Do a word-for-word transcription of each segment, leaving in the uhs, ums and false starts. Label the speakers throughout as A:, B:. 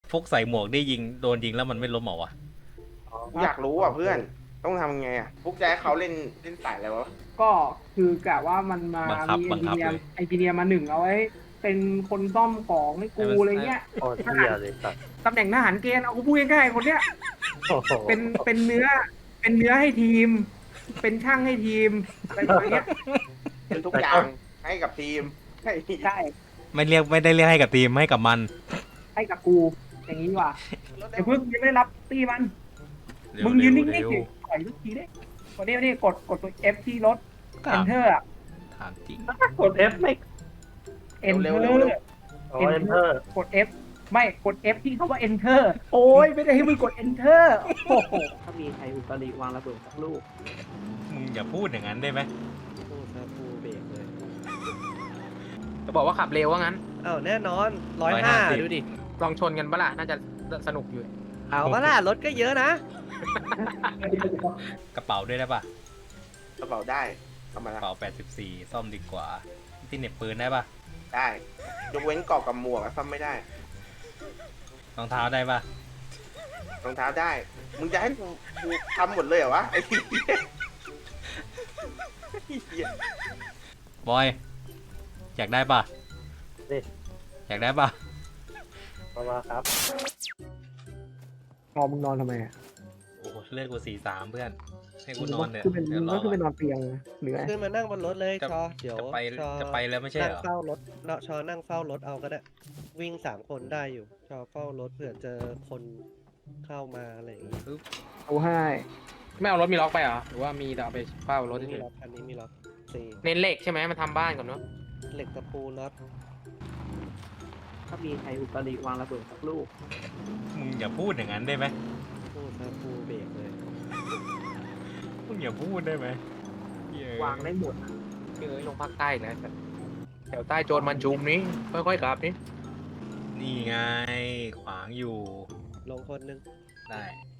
A: ฟุกใส่หมวกได้ยิงโดนยิงแล้วมันไม่ล้มเหรอวะ
B: อยากรู้อ่ะเพื่อนต้องทำไงอ่ะพวกแจ๊เขาเล่นเล่นสายอะไรวะ
C: ก็คือกะว่ามันมา
A: บังคับ
C: มีเอ
A: บั
C: น
A: ง
C: จิ
A: คับ
C: เนีย
A: เลย
C: ไอจีเนียมาหนึ่งเอาไว้ เป็นคนซ่อมของให้กูอะไรเงี้ย
D: โอ้เหี้ยเลยสัตว์
C: ตำแหน่งทหารเกณฑ์เอากูพูดง่ายๆคนเนี้ย
D: โอ้โห
C: เป็นเป็นเนื้อ เป็นเนื้อให้ทีม เป็นช่างให้ทีมอะไรแบบเนี้ย
B: เป็นทุกอย่างให้กับทีมใช่
C: ใช่
A: ไม่เรียกไม่ได้เรียกให้กับทีมให้กับมัน
C: ให้กับกู อย่างนี้ดีกว่าเดี๋ยวเพิ่งยังไม่ได้รับตีมัน
A: เร็ว
C: มึงยืนนิ่ง
A: เร็ว
C: ๆสิถอยทุกทีได้วันนี้วันนี้กดกดตัว F ที่รถ
A: ถาม
C: Enter อ่ะ
A: ถามจริง
D: กด F ไม่
C: Enter
D: อ๋อ Enter
C: กด F ไม่กด F ที่เขาว่า Enter โอ้ยไม่ได้ให้มึงกด Enter โอ้โหถ้ามีใครอุตริวางระเบิดสักลูก
A: มึงอย่าพูดอย่างนั้นได้ไหม
D: พูดซะพูเบรกเลย
E: จะบอกว่าขับเร็วว่างั้น
D: อ้าวแน่นอนร้อยห้าดูดิ
E: ลองชนกันปะล่ะน่าจะสนุกอยู่
D: เอาว่าล่ะรถก็เยอะนะ
A: กระเป๋าด้วยได้ปะ
B: กระเป๋าได้ทำมาก
A: ระ
B: ละ
A: เป๋าแปดสิบสี่ซ่อมดีกว่าที่เหน็บปืนได้ปะ
B: ได้ยกเว้นเกาะกับหมวกอะซ่อมไม่ได้
A: รองเท้าได้ปะ
B: รองเท้าได้ มึงจะให้กูกูทำหมดเลยเหรอวะไอ้เหี้ย
A: บอยอยากได้ปะ
D: นี่
A: อยากได้ปะ
D: มามาครับ
C: พอมึงนอนทำไมอ่ะ
A: โอ้โหเลือดกูสี่สามเพื่อนให้กูนอนเถอะ
C: คือเป็น
A: เดี๋ยวร
C: ก็
A: อ
C: คือเป็นนอนเตียงเหนื่อย
D: ขึ้นมานั่งบนรถเลย
A: จะ
D: ชอเดี๋ยว
A: จะไป
D: ชอ
A: จะไปแล้วไม่ใช่
D: นั่
A: เห
D: ง
A: รอ
D: เฝ้ารถเนาะชอนั่งเฝ้ารถเอาก็ได้วิ่งสามคนได้อยู่ ชอเฝ้ารถเผื่อเจอคนเข้ามาอะไรอย่างงี้
C: เอาให้
E: ไม่เอารถมีล็อกไปเหรอหรือว่ามีแต่เอาไปเฝ้ารถ
D: นี่
E: เฉ
D: มี
E: ย
D: ล็อกอันนี้มีล็อกสี่
E: ๆเน้นเหล็กใช่ไหมมันทำบ้านก่อนเนาะ
D: เหล็กตะปูน็อต
C: ถ้ามีใครอุตริวางระเบิดสักลูก
A: มึงอย่าพูดอย่างนั้นได้ไหม
D: พูดซะพูเบรกเลย
A: มึงอย่าพูดได้ไหมเหี้ยว
C: างได้หมดอะ
E: เอ้ยลงภาคใต้นะแถวใต้โจรมันจุมนี้ค่อยๆขับนี่
A: นี่ไงขวางอยู่
D: ลงคนหนึง
A: ได้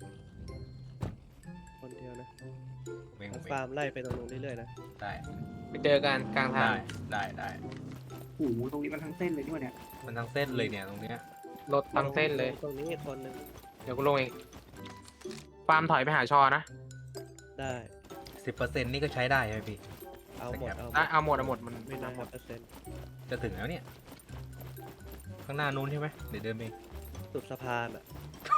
D: คนเดียวนะ
A: เวง
D: เอา
A: เว
D: ฟาง ร์มไล่ไปตรงนู้นเรื่อยๆนะ
A: ได้
E: ไปเจอกันกลางทา
A: ได้
E: ง
A: ได้ได้
C: โอ้โหตรงนี้มันทั้งเส้นเลยด้วยเนี่ย
A: มันทั้งเส้นเลยเนี่ยตรงเนี้ย
E: รถทั้งเส้นเลย
D: ตรงนี้อีกคนหนึง
E: เดี๋ยวกูลงเองฟาร์มถอยไปหาชอนะ
D: ได้
A: สิบเปอร์เซ็นต์นี่ก็ใช้ได้ใช่ไหมพี่
D: เอาหมดเอาหม
E: ได้
D: ด
E: เอาหมดเอาหมดมัน
D: ไม่น้อยเปอร์เซ็นต์
A: จะถึงแล้วเนี่ย ข้างหน้านู้นใช่ไหมเดี๋ยวเดินไป
D: สุดสะพานอ่ะ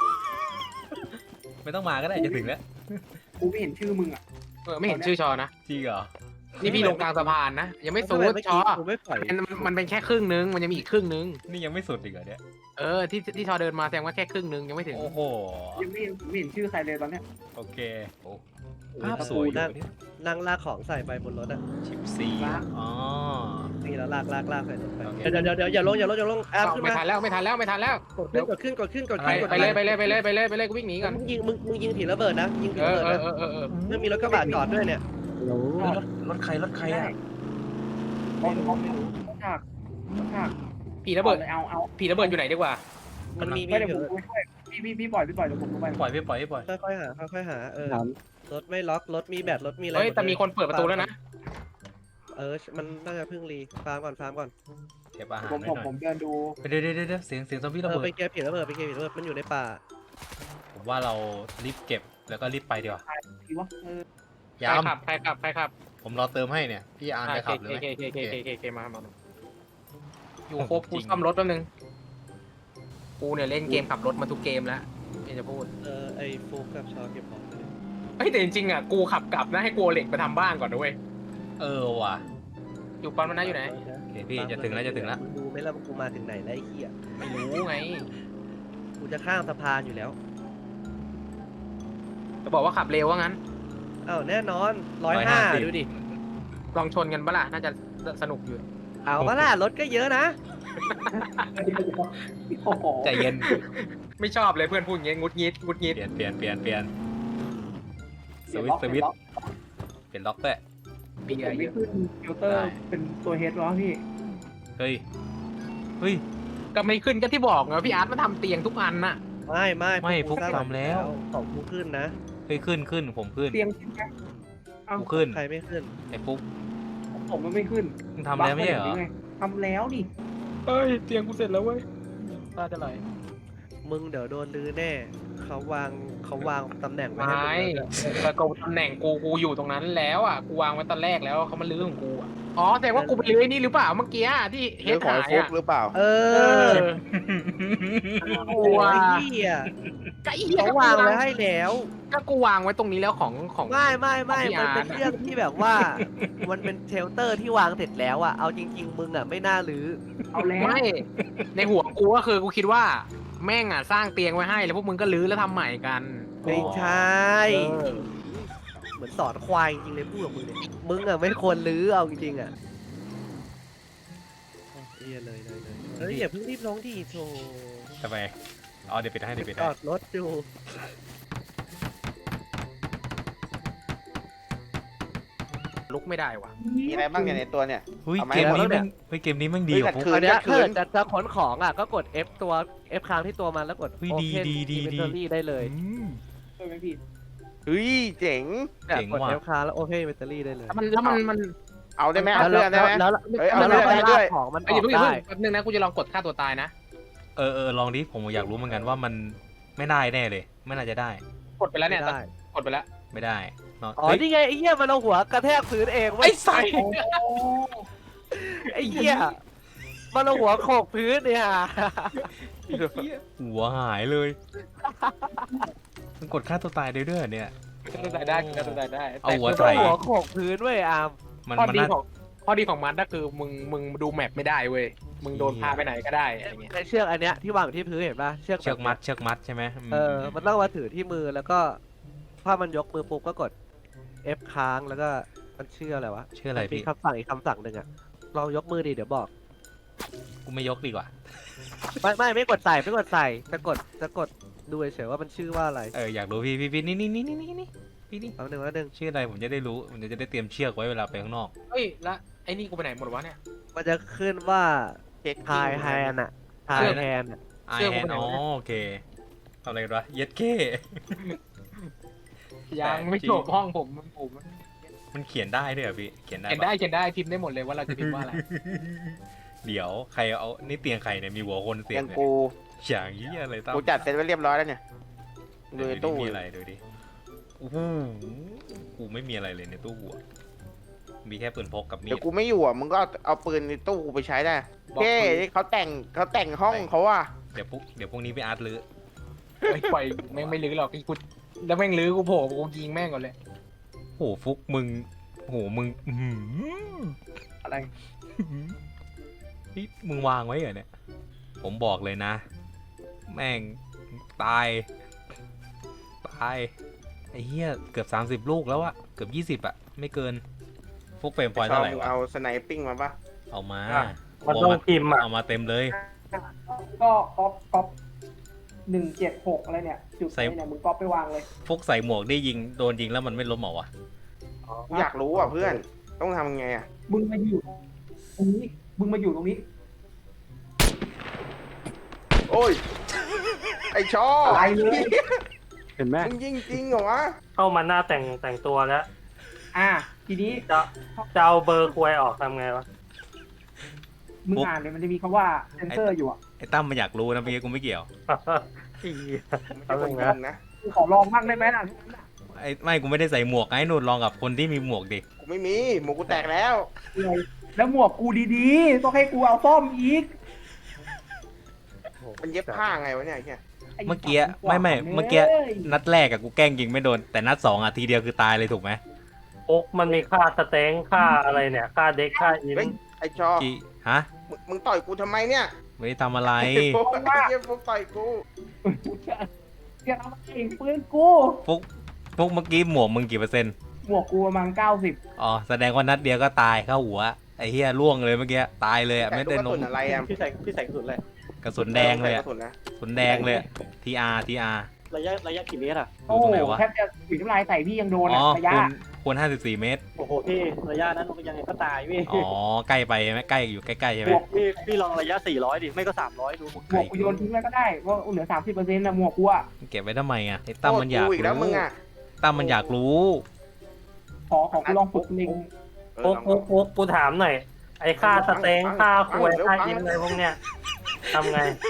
A: ไม่ต้องมาก็ได้จะถึงแล้ว
C: กูไม่เห็นชื่อมึงอ่ะ
E: เออไม่เห็นชื่อชอนะ
A: จริงเหรอ
E: นี่พี่ลงกลางสะพานนะยังไม่สู
D: ทำ
E: ด
D: เมื่อ
E: ชอ
D: กี้กูไม่ปล่อย
E: มันมันมันเป็นแค่ครึ่งนึงมันยังมีอีกครึ่งนึง
A: นี่ยังไม่สุดอีกเหรอเนี่ย
E: เออที่ที่ชอเดินมาแสดงว่าแค่ครึ่งนึงยังไม่ถึง
A: โอ้โห
C: ยังไม่เห็นไม่เห็นชื่อใครเลยตอนเนี้ย
A: โอเคโอ้ภาพสวยอยู่เนี่ย
D: นั่งลากของใส่ไปบนรถอ่ะ
A: ชิปซีอ๋อ
D: นี่แล้วลากลากลากใส่รถไป
A: โอเค
D: เดี๋ยวเดี๋ยวเดี๋ยวอย่าลงอย่าลงอย่าลงแอมขึ้น
E: ไม่
D: มา
E: ทันแล้วไม่ทันแล้วไม่ทันแล้ว
D: กดขึ้นกดขึ้นกดขึ้นกด
E: ไป
D: ขึ้นกด
E: ไป
D: ขึ้น
E: เลยไปเลยไปเลยไปเลยไปเลยกูวิ่งหนีก่อน
D: มึงยิงมึงมึงยิงผีระเบิดนะยิงผี
E: เอ
D: ระ
E: อ
D: เบิด
E: เออ
D: นะ
E: เออเออ
D: เมื่อมีรถกระบะจอดด้วยเนี่ย
C: โอ้โห
A: รถรถใครรถใครอ่ะ
C: มองมองมองฉากมองฉาก
E: ผีระเบิด
C: เอาเอา
E: ผีระเบิดอยู่ไหนดีกว่า
D: มันมี
C: ไม่
D: มี
C: เดี๋ยวผมไปช่วยพี่พี่พี่ปล่อยพี่ปล่อยเดี๋ยวผมลงไป
A: ปล่อยพี่ปล่อยพี่ปล่อย
D: ค่อยๆหาค่อยๆหาเออรถไม่ล็อกรถมีแบตรถมีอะไร
E: เฮ้ย
D: หด
E: แต่มีคนเปิดประตูแล้วนะ
D: เออมันน่าจะเพิ่งรีฟาร์มก่อนฟาร์มก่อน
A: เก็บอาหาร
C: ผม
A: ไว้
C: ผม
A: หน่อย
C: ผมเดินดู
A: เดี๋ยวเดี๋ยวเดี๋ยวเสียงเสียงซอมบี้ระ
D: เออ
A: เบิ
D: ไป
A: ด
D: เก็บผีระเบิดไปเก็บผีระเบิดมันอยู่ในป่า
A: ผมว่าเรารีบเก็บแล้วก็รีบไปดีกว่า
C: ทีวะเออ
E: ใคร
A: ยาม
E: ขับใครขับใครขับ
A: ผมรอเติมให้เนี่ยพี่อาร์ม
E: อ่า
A: จะ
E: เค
A: ขับหรือ
E: เค
A: ไม่
E: เคเคเคเคเคมามามาอยู่
A: โอ้โห
E: ครบกู
A: จริง
E: ซ่อมรถแป๊บนึงกูเนี่ยเล่นเกมขับรถมาทุกเกมแล้วไม่จะพูด
D: เออไอ้ฟุกกับชอเก็บของไปเลย
E: เฮ้ยแต่จริงๆอ่ะกูขับกลับนะให้กูเอาเหล็กไปทำบ้านก่อนด้วย
A: เออว่ะ
E: อยู่ปั๊มมันนะอยู่ไหน
A: โอเคพี่จะถึงแล้วจะถึงแล้ว
D: มึงดูไหมล่ะว่ากูมาถึงไหนแล้วไอ้เหี้ย
E: ไม่รู้ไง
D: กูจะข้ามสะพานอยู่แล้ว
E: จะบอกว่าขับเร็วว่างั้น
D: อ้าวแน่นอนร้อยห้าดูดิ
E: ลองชนกันปะล่ะน่าจะสนุกอยู่
D: เอาว่าล่ะรถก็เยอะนะ
C: โอ้โห
A: ใจเย็น
E: ไม่ชอบเลยเพื่อนพูดอย่างเงี้ยงุดงิดงุดงิด
A: เปลี่ยนเปลี่ยนเปลี่ยนเปลี่ยนส
C: เปลี่ยน
A: วิ
C: ล็
A: ต
C: อก
A: ช์สวิตช์
C: เปลี่ยน
A: เปลี่ยนล็อกด้วย
E: เบีย
C: ล็อก
E: ร์
C: ไม่
E: เยอะ
C: ขึ้นฟิลเตอร์เป็นตัวเฮดวะพี่
A: เฮ้ยเฮ้ย
E: ก็ไม่ขึ้นก็ที่บอกไงว่าพี่อาร์ตมาทำเตียงทุกอันน่ะ
D: ไม่ไม่
A: ไม่ฟุก
D: สร้าง
A: ทำแล้ว
D: ของฟุกขึ้นนะ
A: เฮ้ยขึ้นขึ้นผมขึ้น
C: เตียงขึ้นไหมเอ้า
A: กูขึ้น
D: ใครไม่ขึ้น
A: ไอ้ฟุก
C: ผมมันไม่ขึ้น
A: มึงทำแล้วไม่ใช่เหรอ
C: ทำแล้วนี่
E: เฮ้ยเตียงกูเสร็จแล้วเว้ยตาจะไหล
D: มมึงเดี๋ยวโดนลือแน่เขาวางเขาวางตำแหน่งไว้ให้
E: ไม่
D: มึงแล้วเนี่ย
E: แต่กูตำแหน่งกูกูอยู่ตรงนั้นแล้วอ่ะกูวางไว้ตอนแรกแล้วเขามาลื้อของกูอ่ะอ๋อแต่ว่ากูไปลื้อไอ้นี่หรือเปล่าเมื่อกี้อะที่เฮ
B: เรื่อ
E: ด
B: งของ
E: หา
B: ไอ้
E: ย
B: ฟุก
E: อ่ะ
B: หรือเปล่า
D: เอ
E: เอ
D: อ
E: อ
D: โอ้ยเหี้ย
E: ก็ไอ้เหี้ย
D: เขาวางไว้ให้แล้ว
E: ก็กูวางไว้ตรงนี้แล้วของของ
D: ไม่ไม่ไม่
E: ของพี่
D: มันเป็น
E: อาร์ตอะ
D: เรื่องที่แบบว่า มันเป็นเชลเตอร์ที่วางเสร็จแล้วอะเอาจริง ๆ มึงอะไม่น่ารื้อ
C: เอาแล้ว
E: ไม่ในหัวกูก็คือกูคิดว่าแม่งอ่ะสร้างเตียงไว้ให้แล้วพวกมึงก็ลื้อแล้วทำใหม่กัน
D: ไม่ใช่
E: เออ
D: เหมือนสอนควายจริงๆเลยพูดกับมึงเนี่ยมึงอะไม่ควรรื้อเอาจริงๆอะเอียเลยเลยเลยเฮ้ยอย่าเพิ่งรีบร้องที่โถ
A: ทำไมอ๋อเดี๋ยวปิดให้เดี๋ยวปิด
D: จ
A: ให้
D: อดรถอยู่
E: ลุกไม่ได้ว่ะ
B: มีอะไรบ้างเนี่ยในตัวเนี่ย
A: เฮ้ย
B: เอาไหม
A: เกมนี้
B: เอาแล้วเนี่
A: แม่
B: ย
A: งเฮ้ยเกมนี้แม่งดี
B: เฮ้ย
A: กว่า
B: แต่
A: ฟุก
B: คื
D: อันเนี้ย
B: คื
D: ถ้าน เกิดจะจะขนของอะก็กด F ตัว F ค้างที่ตัวมันแล้วกด
A: เฮ้ยดี
D: Open
A: ดีดีดี
D: Inventory ได้เลย
A: อืม
C: ใช่ไหมพี่
B: เฮ้ยเจ๋ง
D: เนี่ย
A: เจ๋ง
D: กด
A: ว่ะ
D: F ค้างแล้ว Open Inventory ได้เลย
E: แล้วมันแล้วมันมัน
B: เอาได้ไหม
D: แล้
B: เอา
D: ว
B: เรื่องได้ไหม
D: แล้ว
B: เฮ้ยเอา
D: แล้ว
B: เรื่อง
D: ไป
B: ได้ด้วย
D: ลากของมันอ
E: เอ้ย
D: อ
E: อย่าก เพิ่งอย่า
D: ได้
E: เพิ่งแป๊บนึงนะกูจะลองกดฆ่าตัวตายนะ
A: เออเออลองดิผมอยากรู้เหมือนกันว่ามันไม่ได้แน่เลย ไม่น่าจะได้
E: กดไปแล้วเนี่ย
D: ไม่ได้
E: กดไปแล้ว
A: ไม่ได้เนาะ
D: อ๋อ
A: เฮ้ย
D: นี่ไงไอ้เหี้ยมันเอาหัวกระแทกพื้นเองเว้
A: ไอ้
D: ย
A: สัส
C: โอ้
D: ไอ้เหี้ยมันเอาหัวโขกพื้นเนี่ย
A: หัวหายเลย มันกดฆ่าตัวตายได้ด้วยเหรอเนี่ย
E: ฆ่าตัวตายได้ฆ่าตัวตายได้
A: เอาหัว
D: มัน
A: ใส่
D: เอาหัวโขกพื้นเว้ยอาม
A: มัน
E: ข้อ
A: มัน
E: ดี
A: น่า
E: ของข้อดีของมันก็คือมึงมึงดูแมปไม่ได้เว้ยมึงโดนพาไปไหนก็ได้อะไรเงี้ย
D: ไอ้เชือกอันเนี้ยที่วางอยู่ที่พื้นเห็นป่ะเชือก
A: เชือกมัดเชือกมัดใช่ไหมม
D: เออมันต้องมาถือที่มือแล้วก็ถ้ามันยกมือปุ๊บก็กด F ค้างแล้วก็มันชื่ออะไรวะ
A: ชื่ออะไร
D: มี
A: พี่
D: คำสั่งอีกคำสั่งหนึ่งอะลองยกมือดิเดี๋ยวบอก
A: กูไม่ยกดีกว่า
D: ไม่ไม่ไม่กดใส่ไม่กดใส่จะกดจะกดดูเฉยๆว่ามันชื่อว่าอะไร
A: เอออยากรู้พี่พี่พี่นี่นี่นี่นี่นี่นี่พี่นี่
D: แป๊บนึงแป๊บนึง
A: ชื่ออะไรผมจะได้รู้ผมจะได้เตรียมเชือกไว้เวลาไปข้างนอก
E: เฮ้ยแล้วไอ้นี่กูไปไหนหมดวะเนี่ย
D: มันจะขึ้นว่า
B: เช็ค
D: ไฮแฮนอะไฮ
A: เชื่อนะ
D: แฮนอะ
A: ไอ
E: เชือก
A: แฮ
E: กู
A: น
E: ไปไหน
A: อ๋อ
E: วะเนี่ย
A: โอเคทำอะไรกันวะเย็ดเก้
E: ยังไม่จบห้องผมผม
A: มันเขียนได้ด้วยเหรอพี่เขียนได้
E: เขียน
A: ปะ
E: ได้เขียนได้พิมพ์ได้หมดเลยว่าเราจะพิมพ์ว่าอะไร
A: เดี๋ยวใครเอานี่เตียงใครเนี่ยมีหัวคนเสีย
B: ยัง ง
A: เนี่ย
B: กู
A: อย่างนี้ยอะไรตั้ม
B: กูจัดเสร็จไว้เรียบร้อยแล้วเนี่ยดู
A: เดี๋ยว
B: ใน
A: ดิ
B: ตู้
A: มีอะไรดูดิโอ้โหกูไม่มีอะไรเลยในตู้หัวมีแค่ปืนพกกับมี
B: เดี๋ย
A: ด
B: วกูไม่อยู่อ่ะมึงก็เอาเอาปืนในตู้กูไปใช้ได้
E: บอก
B: เฮ้
E: ปืน
B: เขาแต่งเขาแต่งห้องเขาอ่ะ
A: เดี๋ยวพวกเดี๋ยวพวกนี้ไปอาร์ตลือ
E: ไม่ปล่อยแม่งไม่ลื้อหรอกไอ้กูแล้วแม่งลื้อกูโผล่กูยิงแม่งก่อนเลย
A: โหฟุกมึงโหมึงอื้อหือ
C: อะไร
A: นี่มึงวางไว้เหรอเนี่ย ผมบอกเลยนะ แม่งตาย ตาย ไอ้เหี้ยเกือบ สามสิบ ลูกแล้วอะเกือบ ยี่สิบ อะ ไม่เกิน พวกเฟรมพอยต์
B: ชอ
A: เท่า
B: บ
A: ไหร่
B: มึง
A: วะ
B: เอาสไนปิ้งมาปะ
A: เอามา
F: อ่ะ
A: เอา
F: มันต้องพิมพ์อ่ะ
A: เอามาเต็มเลย
C: ก็ก๊อปก๊อปหนึ่งเจ็ดหกอะไรเนี่ย จุดไหนเนี่ยมึงก๊อปไปวางเลย
A: พวกใส่หมวกได้ยิงโดนยิงแล้วมันไม่ล้มเหรอวะ
B: กูอยากรู้อ่ะเพื่อน ต้องทำยังไงอ่ะ
C: มึงมาอยู่ตรงนี้มึงมาอยู่ตรงนี้
B: โอ้ย ไอชอ
C: อะไรเลย
F: เห็นไหม
B: มึงยิงจริงเหรอวะ
F: เข้ามาหน้าแต่งแต่งตัวแล้ว
C: อ่ะทีนี้
F: จะจะเอาเบอร์ควยออกทำไงวะ
C: มึงอ่านเลยมันจะมีคำว่าเซนเซอร์อยู่อ่ะ
A: ไอ้ตั้มมันอยากรู้นะเมื่อกี้กูไม่เกี่ยว
F: อี๋
B: ไม่ใช่คนยิงนะ
C: กูขอลองบ้างได้ไหมล่ะ
A: ไอ้ไม่กูไม่ได้ใส่หมวกไอ้นู่นลองกับคนที่มีหมวกดิ
B: กูไม่มีหมูกูแตกแล้ว
C: แล้วหมวกกูดีๆ ต้องให้กูเอาซ่อมอีก
B: มันเย็บผ้าไงวะเนี่ยไอ้เหี้ย
C: ไอ้
A: เมื่อกี้
C: สัตว์
A: ไม่ไม่
C: กว่า
A: เมื่อกี้
C: ลย
A: นัดแรกอะกูแกล้งยิงไม่โดน แต่นัดสองอะทีเดียวคือตายเลยถูกไหม
F: โอ๊กมันมีค่าสเต็งค่าอะไรเนี่ย ค่าเด็กค่าอิน
B: เฮ้ยไอชอ
A: กี่ฮะ
B: มึงมึงต่อยกูทำไมเนี่ย
A: ไม่ได้ทำอะไร
B: ไอ้พวกไอ้เหี้ยพวกต่อยกู
C: กูจะจะเอาเองปืนกู
A: ฟุกฟุกเมื่อกี้หมวกมึงกี่เปอร์เซ็นต์
C: หมวกกูประมาณเก้าสิบ
A: อ๋อแสดงว่านัดเดียวก็ตายเข้าหัวไอ้เหี้ยล่วงเลยเมื่อกี้ตายเลยอะ
B: แต่
A: ไม่
B: ลูก
A: ได้
B: กระ
A: ล
B: สุ
A: ง
B: นอะไรอ่ะ
G: พี่ใส่พี่ใส่กระสุนเลย
A: กระสุนแดงเลย
B: ก
A: อะ
B: ระสุนนะ
A: กระสุนแดงเลยทีอาร์ทีอาร์
G: ระยะระยะกี่เมตรอ่ะ
C: โอ้
A: ตรง
C: โห
A: ไหนวะ
C: แทบจะถุยน้ำลายใส่พี่ยังโดน
A: อ๋อ
C: อะระยะ
A: คูณคูณห้าสิบสี่เมตร
G: โอ้โหพี่ระยะนั้นมันยังไงก็ตายพี่
A: อ๋อใกล้ไปใช่ไหมใกล้อยู่ใกล้ๆใช่ไหม
G: บวกพี่พี่ลองระยะสี่ร้อยดิไม่ก็สามร้อยดู
C: หมวกกูโยนทิ้งไว้ก็ได้เพราะเหลือสามสิบเปอร์เซ็นต์นะหมวกกูอะ
A: เก็บไว้ทำไมอะไอ้ตั้มมันอยาก
B: โทษอีกแล้วมึ
A: รู้
B: งอ่ะ
A: ตั้มมันอยากรู้
C: ขอขอกูลองฝึกเล็ง
B: เออ
F: โอ๊ก
B: ลอง
F: โอ๊กโอ๊กกูถามหน่อย ไอ้ค่าสเต็ง
B: ฟัง
F: ค่า
B: ฟั
F: ค
B: ง
F: วย
B: เดี๋ยว
F: ค่า
B: ฟัง
F: อินอะไรพวกเนี้ยทำไง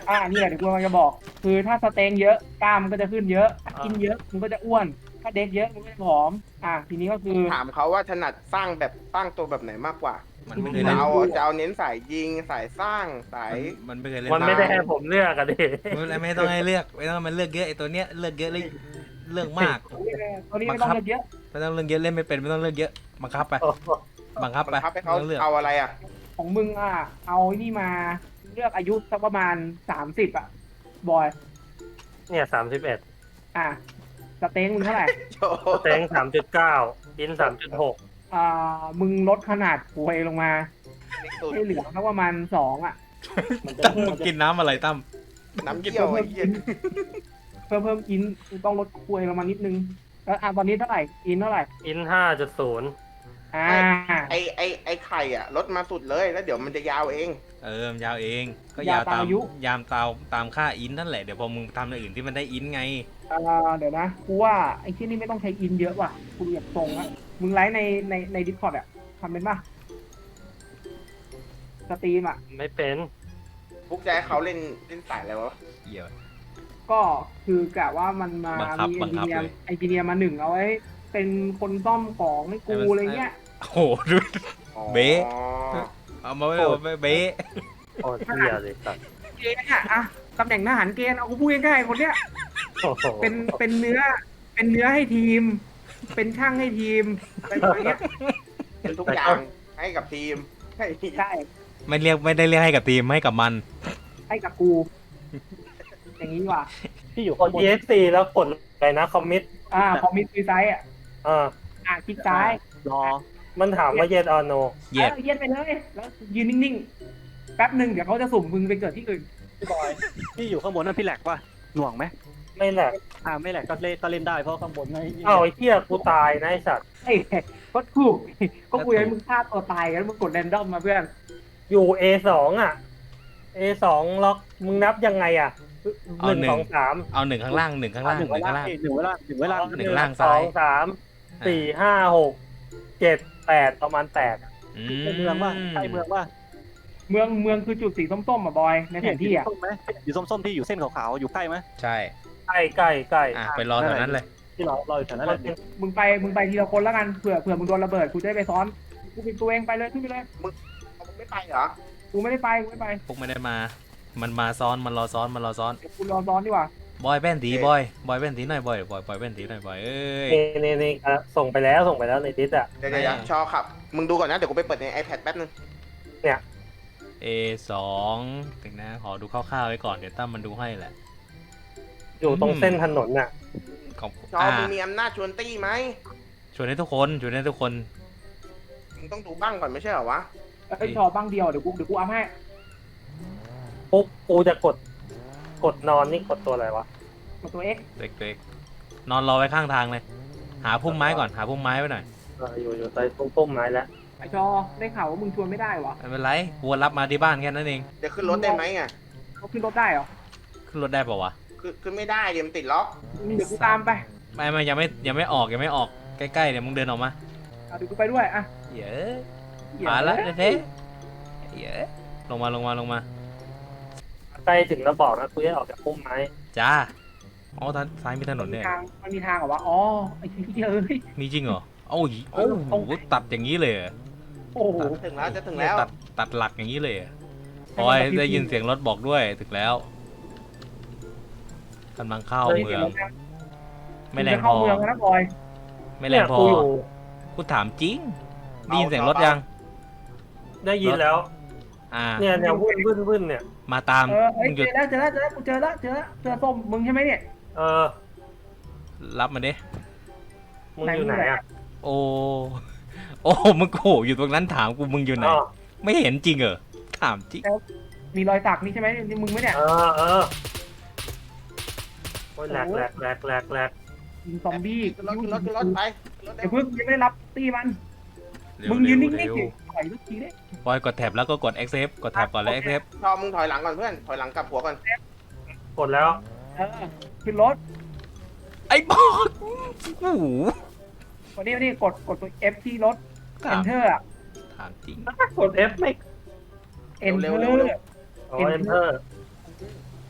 C: อ่านี่แหละเดี๋ยวกูกำลังจะบอก คือถ้าสเต็งเยอะกล้ามมันก็จะขึ้นเยอะถ้ากินเยอะมันก็จะอ้วน ถ้าเด็กเยอะมันก็จะผอม อ่าทีนี้ก็คือ
B: ถามเขาว่าถนัดสร้างแบบสร้างตัวแบบไหนมากกว่า
A: มันไม่เคย
B: จะ
A: เล่น
B: เอาจะเอาเน้นสายยิงสายสร้างสาย
A: มันไม่เคยเล่น
F: มันไม่ได้ให้ผมเลือกอะดิ
A: ไม่ไม่ต้องให้เลือกไม่ต้องมันเลือกเยอะไอตัวเนี้ยเลือกเยอะเลยเลือกมาก
C: ตัวนี้ไม่ต้องเลือกเยอะ
A: ไม่ต้องเลือกเยอะเล่นไม่เป็นไม่ต้องเลือกเยอะบังคับไป
F: โอ้โห
A: บังคับไป
B: บังคับให้เขา
A: ไม่ต้องเลือก
B: เอาอะไรอ่ะ
C: ของมึงอ่ะ เอานี่มาเลือกอายุสักประมาณสามสิบอ่ะ บอย
F: เนี่ยสามสิบเอ็ด
C: อ่ะสเต็งมึงเท่าไหร่
B: โชว์
F: สเต็งสามจุดเก้าอินสามจุดหก
C: อ่า มึงลดขนาดหวยลงมา
B: สุด
C: ให้เหลือสักประมาณสองอ่ะ
A: ตั้มมึงกินน้ำอะไรตั้ม
B: น้ำเกี่ยวไอ้เหี้ย
C: เพิ่มเพิ่มอินต้องลดหวยลงมานิดนึง แล้วอ่ะตอนนี้เท่าไหร่ อินเท่าไหร่
F: อินห้าจุดศูนย์
C: อ่า
B: ไอไอไอไข่อ่ะลดมาสุดเลยแล้วเดี๋ยวมันจะยาวเอง
A: เออมันยาวเอง ก็
C: ยาย
A: าว ว
C: ตา
A: ตาม ม
C: อายุ
A: ยามตามตามค่าอินนั่นแหละเดี๋ยวพอมึงทำอย่างอื่นที่มันได้อินไง
C: อ่าเดี๋ยวนะ กูว่าไอ้ที่นี่ไม่ต้องใช้อินเยอะว่ะ กูอยากตรงอะมึงไลฟ์ในในในดิสคอร์ดอะทำเป็นป่ะ สตรีมอะ
F: ไม่เป็น
B: พวกใจให้เขาเล่นเล่นสายอะไรวะ
A: เหี้ย
C: ก็คือกะว่ามันมา
A: บังคับ
C: มี
A: บั
C: เอน
A: งคั
C: จิ
A: บ
C: เนีย
A: เลย
C: ร์ไอจิเนียร์มาหนึ่งเอาไว้ เป็นคนซ่อมของให้กู
A: ให้มัน
C: อะไรเงี้ย
A: โอ้โหดู
B: อ๋อ
A: เบ๊ะ เอามาไว้เอาไว้เบ๊ะ
F: โคตรเที่ยเลยสัตว์
C: เกณฑ์อะอะตำแหน่งทหารเกณฑ์เอากูพูดง่ายๆคนเนี้ย
F: โอ้โห
C: เป็นเป็นเนื้อ เป็นเนื้อให้ทีม เป็นช่างให้ทีมอะไรประมาณเนี้ย
B: เป็นทุกอย่างให้กับทีมให้
C: ใช่
A: ไม่เรียกไม่ได้เรียกให้กับทีมให้กับมัน
C: ให้กับกู อย่างนี้ดีกว่า
G: พี่อยู่
F: ก
G: ข้าง
F: ด
G: บน
F: เอสซีแล้วกดอะไรนะคอมมิต
C: อ่าคอมมิตซูไซด์อ่ะ
F: อ่า
C: อ่ะคลิกซ้าย
G: รอ
F: มันถามว่า yes or no
A: เย็ด
C: เออเย็นไปเลย แล้วยืนนิ่งๆ แป๊บหนึ่งเดี๋ยวเขาจะสุ่มมึงไปเกิดที่อื่น
G: พี่บอยพี่อยู่ข้างบนนั่นพี่แหลกป่ะหน่วงไหม
F: ไม่แหละ
G: อ่าไม่แหลกก็เล่นก็เล่นได้เพราะข้างบนไม่
F: เอ้าไอ้เที่ยกูตายนะไอ้สัตว์
C: เอ้ยก็ถูก ก็คุยให้มึงฆ่าตัวตายกันแล้วมึงกดแรนดอมมาเพื่อน
F: อยู่ เอ สอง อ่ะ เอ สอง ล็อกมึงนับยังไงอ่ะหนึ่งสองสาม
A: เอาหนึ่งข้างล่างหนึ่งข้างล่างห
G: ห
A: นึ่
G: นึ่
A: ง
G: งเว
A: ข้า
G: ลาง
A: ล่าง
G: หนึ่งเวลาหนึ่งเวลา
A: หนึ่งล่าง
F: ส
A: ซ้า
F: อย งสามสี่ห้าหกเจ็ดแปดประมาณแปด
A: อื
G: ในเมืองว่าใช่เมืองว่า
C: เมืองเมืองคือจุดสีส้มๆอ่ะบอย ในแผนที่อ่ะ
G: ส้มไหมอยู่ส้มๆที่อยู่เส้นขาวๆอยู่ใกล้ไหม
A: ใช่
F: ใกล้ใกล้ใกล้
A: อ่ะไปรอแถวนั้นเลย
G: ที่เราเราอยู่แถวนั้น
F: มัน
G: เลย
F: เป็น
C: มึงไป มึงไปทีละคนแล้วกัน เผื่อเผื่อมึงโดนระเบิด กูจะได้ไปซ้อน กูปิดตัวเองไปเลยขึ้นไปเลย
B: เอาไม่ไปเหรอ
C: กูไม่ได้ไป กูไม่ไป
A: พวกไม่ได้มา มันมาซ้อนมันรอซ้อนมันรอซ้อน
C: เดี๋ยวกูรอซ้อนดีกว่า
A: บอยแป้นตีบอยบอยแป้นตีหน่อยบอยบอยบอยแป้นตีหน่อยบอยเอ้ย
F: นี่นี่นี่อ่ะส่งไปแล้วส่งไปแล้วในดิสอ่ะ
B: เดี๋ยวเดี๋ยวเดี๋ยวชอครับ มึงดูก่อนนะ เดี๋ยวกูไปเปิดใน iPad แป๊บนึง
A: เอสองถึงนะขอดูคร่าวๆไว้ก่อนเดี๋ยวตั้มมันดูให้แหละ
F: อยู่ตรงเส้นถนนน่ะ
A: ของ
B: ชอ
A: อ่า
B: มึงมีอำนาจชวนตี้ไหม
A: ชวนให้ทุกคนชวนให้ทุกคน
B: มึงต้องดูบ้างก่อนไม่ใช่เหรอวะ
C: เอ้ยชอบ้างเดียว เดี๋ยวกู เดี๋ยวกูอัพให้
F: ปุ๊บกูจะกดกดนอนนี่กดตัวอะไรวะ
C: กดตัว X
A: เล็กๆนอนรอไว้ข้างทางเลย หาพุ่มไม้ก่อนหาพุ่มไม้ไว้หน่อย
F: เอออยู่อยู่ใต้ต้นต้นไม้แล้ว
C: ไอชอ ได้ข่าวว่ามึงชวนไม่ได้วะ
A: ไม่เป็นไรกูรับมาที่บ้านแค่นั้นเอง
B: เดี๋ยวขึ้นรถได้ไหมอ่ะ
C: เขาขึ้นรถได้เหรอ
A: ขึ้นรถได้ป่าวะ
B: ขึ้นขึ้นไม่ได้เดี๋ยวมันติดล็อก
C: เดี๋ยวกูตามไป
A: ไม่ไม่ยังไม่ยังไม่ออกยังไม่ออกใกล้ๆเดี๋ยวมึงเดินออกมา
C: เอาเดี๋ยวกูไปด้วย อ่ะ
A: เยอะ
C: เหี้ย
A: มาละเท่ๆเยอะลงมาลงมาลงมา
F: ใกล้ถึงแล้วบอกนะกูจะออกจากพุ่มไม้
A: จ้าอ๋อทางซ้ายมีถนน
C: มี
A: เนี่ย
C: ทาง มันมีทางเหรอวะ อ๋อ ไอ้ที่เอ้ย
A: มีจริงเหรอโอ้ยโอ้โหตัดอย่างนี้เลยเหรอ
C: โอ้โห
B: ถึงแล้วจะถึงแล้ว
A: ตัดตัดหลักอย่างนี้เลยเหรอ
C: ให้
A: โอ้
C: มัน
A: ย
C: กระพริบ
A: ได้ยินเสียงรถบอกด้วยถึงแล้วกำลังเข้า
C: เฮ้ย
A: เมื
C: เดี๋
A: อย
C: ว
A: ง
C: นะ
A: ไม่แร
C: จะ
A: งพ
C: เข้า
A: อ
C: เมืองแล้วนะบอย
A: ไม่แรงพอ
F: เนี่ยกูอยู่
A: กูถามจริงได้ยินเสียงรถยัง
F: ได้ยินแล้ว
A: อ่า
F: เนี่ยเนี่ยวุ่นวุ่นวุ่นเนี่ย
A: มาตาม
C: เออเอ้ย
A: มึงห
C: เจ
A: ยุด
C: อแล้วเจอแล้วเจอแล้วกูเจอแล้วเจอแล้วเจอส้มมึงใช่ไหมเนี่ย
F: เออ
A: รับมาดิ
F: มึงอยู่ไหนอ่ะ
A: โอ้ โอ้ มึงโหอยู่ตรงนั้นถามกูมึงอยู่ไหน
F: อ๋อ
A: ไม่เห็นจริงเหรอ ถามจริง
C: มีรอยสักนี่ใช่ไหมนี่มึงไหมเนี่ย
F: เออเออโอ้ยแหลกแหลกแหลกแหลกแหลก
C: ยิงซอมบี้
B: ขึ้นรถขึ้นรถขึ้นรถไปขึ้นรถ
C: เดี๋ยวเพิ่งยังไม่ได้รับตีมัน
A: เร็ว
C: มึงยืนนิ่ง
A: เร็ว
C: ๆสิถอยลูกทีได้
A: บอยกดแท็บแล้วก็กด accept กดแท็บก่อนแล้ว accept
B: ชอมึงถอยหลังก่อนเพื่อน ถอยหลังกลับหัวก่อน
F: กดแล้ว
C: เออขึ้นรถ
A: ไอ้บอสโอ้โห
C: วันนี้วันนี้กดกดตัว F ที่รถ
A: ถาม
C: Enter อ่ะ
A: ถามจริง
F: กด F ไม่
C: Enter
B: เร็วๆเร็ว
F: อ๋อ enter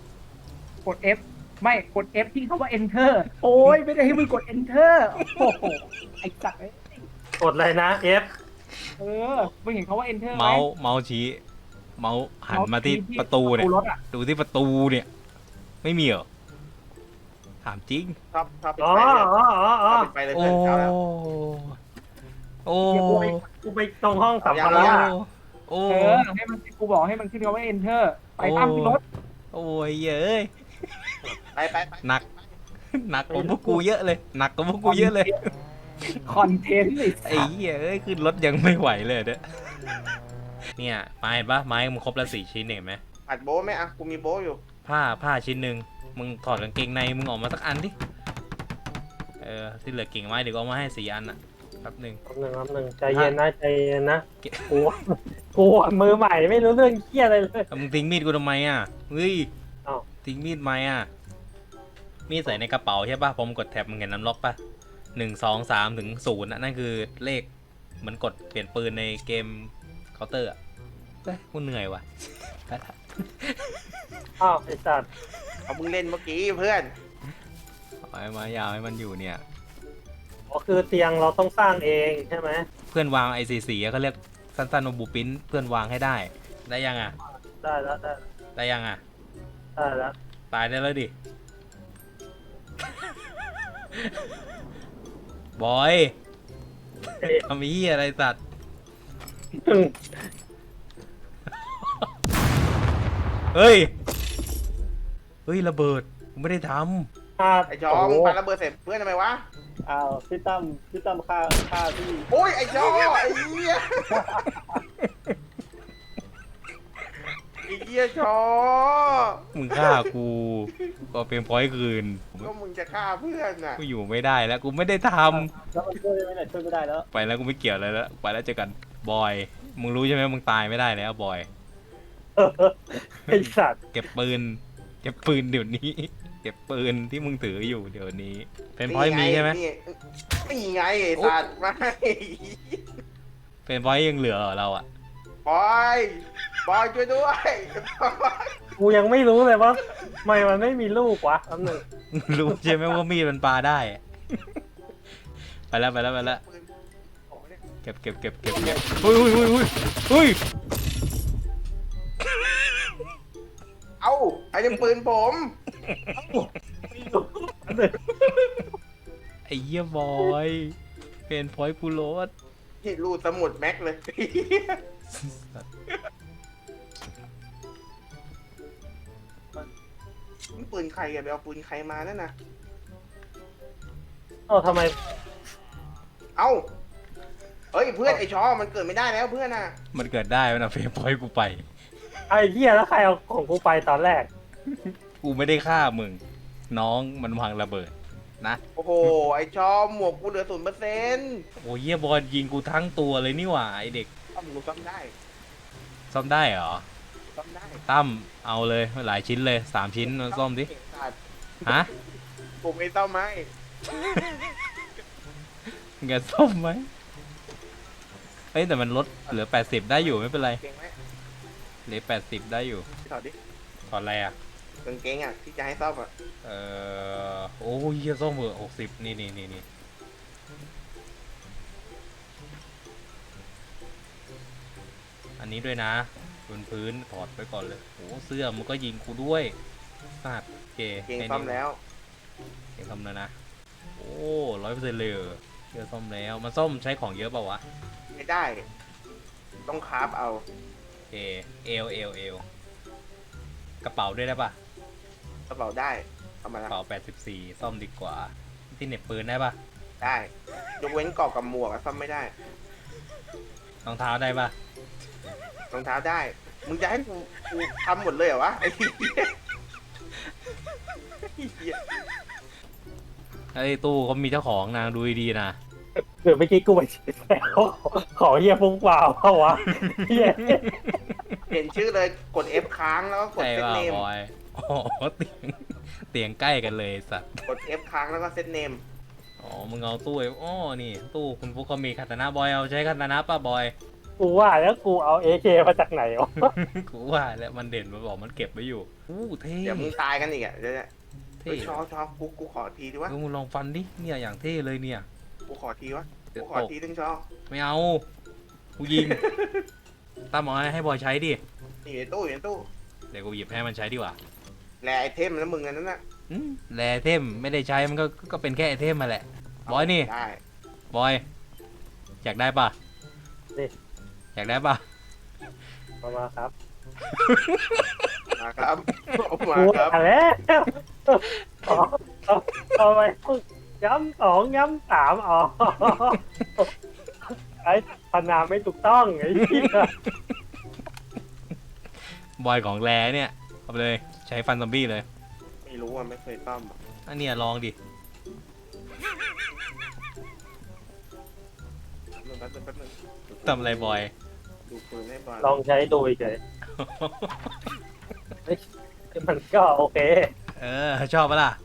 C: กด F ไม่กด F ที่คำว่า enter โอ้ยไม่ได้ให้มึงกด enter โอ้โหไอ้สัตว์เอ้ย
F: กดอะไรนะ F
C: เออมึงเห็นคำว่า enter ไหม
A: เมาส์เมาส์ชี้ เมาส์หันมาที่ประตูเนี่ย
C: รถอ่ะ
A: ดูที่ประตูเนี่ย ไม่มีเหรอ ถามจริง
B: ชอบชอบปิด
F: อ๋อ
B: ไฟเลย
F: อ๋ออ๋ออ๋อ
B: ชอบปิดไฟเลย
A: โอ้
B: เพื่อนเช้าแล้ว
A: โอ้
F: เดี๋ยวกูไปกูไปตรงห้องสัมภา
B: เอา
F: ระ
B: ยัง
A: โอ้
C: เออให้มันกูบอกให้มันขึ้นคำว่า enter ไปตามขึ้นรถ
A: โอ้ยเย้ย
B: ไปไปไป
A: หนัก หนักกว่าพวกกูเยอะเลย หนักกว่าพวกกูเยอะเลย
C: คอนเทนต์ไอ้
A: ไอ้เหี้ยเอ้ยขึ้นรถยังไม่ไหวเลยเนี่ยเนี่ยไม้เห็นปะไม้มึงครบแล้วสี่ชิ้นเห็นไหม
B: อัดโบ้ไหมอ่ะกูมีโบ้อยู่
A: ผ้าผ้าชิ้นหนึ่งมึงถอดกางเกงในมึงออกมาสักอันดิเออที่เหลือกิ่งไม้เดี๋ยวก็เอามาให้สี่อันอ่ะแป๊บหนึ่ง
F: แป๊บหนึ่งแป๊บหนึ่งใจเย็นนะใจเย็นนะ
A: เก็บ
F: กูกูอะมือใหม่ไม่รู้เรื่องเคี้ยอะไรเลย
A: เอามึงทิ้งมีดกูทำไมอ่ะเฮ้ย
F: อ้าว
A: ทิ้งมีดไหมอ่ะมีดใส่ในกระเป๋าใช่ปะพอมึงกดแท็บมึงเห็นน้ำล็อกปะหนึ่งสองสามถึงศูนย์อ่ะนั่นคือเลขเหมือนกดเปลี่ยนปืนในเกมเคาน์เตอร์อ่ะเฮ้ยกูเหนื่อยว่ะ ไปละ
F: อ้าวไอ้สัตว์
B: เอามึงเล่นเมื่อกี้เพื่อน
A: เอาให้มายาวให้มันอยู่เนี่ย
F: อ๋อคือเตียงเราต้องสร้างเองใช่ไหม
A: เพื่อนวางไอซีซีเขาเรียกสั้นๆว่าบูปินเพื่อนวางให้ได้ ได้ยังอ่ะ
F: ได้แล้วได้
A: ได้ยังอ่ะ
F: ได้แล้ว
A: ตายได้แล้วดิ บอย
F: เอ๊ะ
A: ทำไอ้เหี้ยอะไรสัตว์
F: อืม
A: เฮ้ย เฮ้ย ระเบิดกูไม่ได้ท
F: อ่า
B: ไอ้จอมงปาระเบิดเสร็จเพื่อนทำไมวะ
G: อ้าวพี่ตั้มพี่ตั้มฆ่าฆ่าพี่
B: โอ้ยไอ้จอไอ้เหี้ยไอ้เหี้ยจอ
A: ำมึงฆ่ากู ก็เป็นพอยต์คืน
B: ก็มึงจะฆ่าเพื่อนน่ะ
A: กูอยู่ไม่ได้แล้ว กูไม่ได้ท
G: แล้วมันช่วยได้ไหมเนี่ยช่วยไม่ได้แล้ว
A: ำไปแล้วกูไม่เกี่ยวอะไรแล้ว ไปแล้วเจอกัน บอย มึงรู้ใช่ไหมมึงตายไม่ได้แล้วบอย
F: เออไอ้สัตว์
A: เก็บปืน เก็บปืนเดี๋ยวนี้ เก็บปืนที่มึงถืออยู่เดี๋ยวนี้ เป็นพอยต์มีใช่ไหม
B: นี่นี่ไงไอ้สัตว์ไม่
A: เป็นพอยต์ยังเหลือเหรอเราอะ
B: บอยบอยช่วยด้วย
F: กูยังไม่รู้เลยว่าทำไมมันไม่มีลูกวะแป๊บหนึง
A: รู้ใช่ไหมว่ามีดมันปาได้ ไปแล้วไปแล้วไปแล้ว
B: ปืนโอ้เนี่ย
A: เก็บเก็บเก็บเก็บเก็บเฮ้ยเฮ้ยเฮ้ยเฮ้ยเฮ้ย
B: เอ้าไอ้นี่ปืนผม
A: ไอ้เหี้ยบอย เป็นพอยต์กูโรส
B: ที่รูดสมุดแม็กเลย นี่ปืนใครอะไปเอาปืนใครมานั่นน่ะ
F: เอ้าทำไม
B: เอ้า เฮ้ยเพื่อนไอ้ชอมันเกิดไม่ได้แล้วเพื่อนน่ะ
A: มันเกิดได้มันเอาเฟรมพอยต์กูไป
F: ไอ้เหี้ยแล้วใครเอาของกูไปตอนแรก
A: กูไม่ได้ฆ่ามึง น้องมันวางระเบิดนะ
B: โอ้โห ไอ้ชอหมวกกูเหลือศูนย์เปอร์เซ็นต์
A: โอ้ยเหี้ยบอลยิงกูทั้งตัวเลยนี่หว่าไอเด็ก
B: ซ่อมกูซ่อมได้
A: ซ่อมได้เหรอ
B: ซ่อมได้
A: ตั้มเอาเลยหลายชิ้นเลยสามชิ้นมาซ่อมดิ
B: เก่งสัตว์
A: ฮะ
B: กูไม่ซ่อมไหม
A: มึงจะซ่อมไหมเอ้ยแต่มันลดเหลือแปดสิบได้อยู่ไม่เป็นไร
B: เก่งไหม
A: เหลือแปดสิบได้อยู่
B: ถอดดิ
A: ถอดอะไรอ่ะ
B: กางเกงอ่ะที่จะให้ซ่อมอ่ะ
A: เอ่อโอ้ยเหี้ยซ่อมเหอะหกสิบนี่นี่นี่นี่อันนี้ด้วยนะบนพื้นถอดไปก่อนเลยโอ้เสื้อมันก็ยิงกูด้วยสัตว์เก
B: เก่ง
A: แค่นี้
B: ซ่อมแล้ว
A: เก่งซ่อมแล้วนะโอ้ร้อยเปอร์เซ็นต์เลยเหรอเชื่อซ่อมแล้วมันซ่อมใช้ของเยอะเปล่าวะ
B: ไม่ได้ ต้องคราฟเอา
A: โอเคเอลเอลเอลกระเป๋าด้วยได้ปะ
B: กระเป๋าได้เอามาก
A: ระ
B: แล้ว
A: เป๋าแปดสิบสี่ซ่อมดีกว่าที่เหน็บปืนได้ปะ
B: ได้ ยกเว้นเกาะกับหมวกอะซ่อมไม่ได้
A: รองเท้าได้ปะ
B: รองเท้าได้ มึงจะให้กูกูทำหมดเลยเหรอวะไอ้เหี้ยไอ้เหี้ย
A: ไอ้ตู้เขามีเจ้าของนางดูดีๆนะ
F: เดี๋ยวเมื่อกี้กูไปแล้วขอเฮียฟุ้งเปล่าเปล่าวะเฮีย
B: เห็นชื่อเลยกด F ค้างแล้วก็กด
A: ใช่
B: เซต
A: ป่ะ
B: เนม
A: บอยอ๋อเตียงเตียงใกล้กันเลยสัตว์
B: กด F ค้างแล้วก็เซตเนม
A: อ๋อมึงเอาตู้ไอ้อ๋อนี่ตู้คุณฟุกเขามีคาตานะบอยเอาใช้คาตานะป่ะบอย
F: กูว่าแล้วกูเอาเอเคมาจากไหนวะ
A: กูว่าแล้วมันเด่นมันบอกมันเก็บไว้อยู่อู้เท่
B: เดี๋ยวมึงตายกันอีกอ่ะเดี๋ยวเนี่ย
A: เท่
B: เฮ้ยชอชอกูกูขอทีดิวะ
A: เออมึงลองฟันดิเนี่ยอย่างเท่เลยเนี่ย
B: กูขอทีวะ
A: เดี๋
B: กู
A: ยว
B: ขอ
A: ตก
B: ทีนึงชอ
A: ไม่เอากูยิง ตั้มเอาให้บอยใช้ดิ
B: นี่อยู่ในตู้อยู่ในตู้
A: เดี๋ยวกูหยิบให้มันใช้ดีกว่า
B: แลไอเทมแล้วมึงอันนั้นน่ะ
A: อืมแลไอเทมไม่ได้ใช้มันก็ก็เป็นแค่ไอเทมมาแหละ บอยนี่
B: ได้
A: บอย อยากได้ปะ
F: นี่
A: อยากได้ปะ
F: มามาครับ
B: มาครับเอามา
F: กู
B: ครับ
F: อ่ะแล้วอ๋อเอาเอาไปย้ำสองย้ำสามอ๋อไอ้พนาไม่ถูกต้องไอ้เหี้ย
A: บอยของแลเนี่ยเอาไปเลยใช้ฟันซอมบี้เลย
B: ไม่รู้อ่ะไม่เคยต้อมอะ
A: อันเนี้ยลองดิ
B: แป๊บนึงแป๊บนึงแป๊บนึง
A: ทำอะไรบอย
B: ดูปืนให้บอล
F: ลองใช้ดูเฉยเฮ้ยมันก็โอเค
A: เออชอบปะล่ะ